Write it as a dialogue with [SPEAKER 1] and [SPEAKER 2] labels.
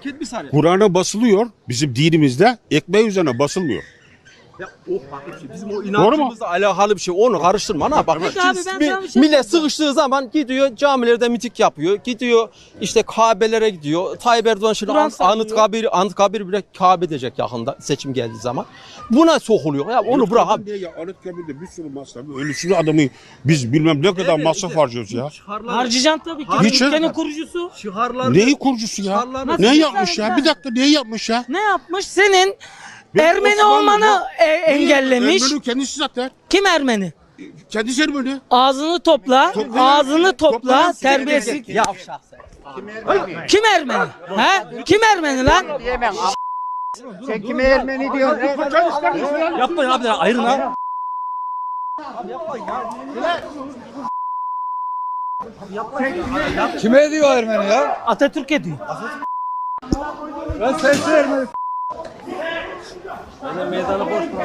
[SPEAKER 1] Bir saniye.
[SPEAKER 2] Kur'an'a basılıyor. Bizim dinimizde ekmeği üzerine basılmıyor.
[SPEAKER 1] Ya o farklı bir şey. Bizim o inancımızla alakalı bir şey. Onu karıştırma ana bak.
[SPEAKER 3] Peki abi, ben sana bir şey
[SPEAKER 1] Millet
[SPEAKER 3] söyleyeyim.
[SPEAKER 1] sıkıştığı zaman gidiyor camilerde miting yapıyor. Gidiyor işte Kabe'lere gidiyor. Tayyip Erdoğan şimdi
[SPEAKER 3] Kur'an sallıyor.
[SPEAKER 1] Anıtkabir bile Kabe edecek yakında seçim geldiği zaman. Buna sokuluyor. Ya onu bırak abi.
[SPEAKER 2] Niye ya? Anıtkabir'de bir sürü masraf. Ölüsünü adamı biz bilmem ne kadar masraf harcıyoruz ya.
[SPEAKER 3] Harcayacaksın tabii ki.
[SPEAKER 2] Hiç-
[SPEAKER 3] Ülkenin kurucusu.
[SPEAKER 1] Şiharlar.
[SPEAKER 2] Neyi kurucusu ya?
[SPEAKER 1] Nasıl
[SPEAKER 2] Ne
[SPEAKER 3] güzel
[SPEAKER 2] yapmış ya?
[SPEAKER 3] güzel.
[SPEAKER 2] Bir dakika neyi yapmış ya?
[SPEAKER 3] Ne yapmış? Senin
[SPEAKER 2] Benim
[SPEAKER 3] Ermeni
[SPEAKER 2] Osmanlı
[SPEAKER 3] olmanı
[SPEAKER 2] ya.
[SPEAKER 3] engellemiş.
[SPEAKER 2] Ermeni kendisi zaten.
[SPEAKER 3] Kim Ermeni?
[SPEAKER 2] Kendisi Ermeni.
[SPEAKER 3] Ağzını topla. Ağzını topla.
[SPEAKER 2] Topla.
[SPEAKER 3] Terbiyesiz.
[SPEAKER 1] Yavşak sen.
[SPEAKER 3] Kim Ermeni? He? Kim Ermeni lan?
[SPEAKER 4] Sen kime Ermeni diyorsun?
[SPEAKER 1] Yapmayın abi ayrın ha.
[SPEAKER 4] Kime diyor Ermeni ya?
[SPEAKER 3] Atatürk ediyor.
[SPEAKER 4] Ben sensin Ermeni.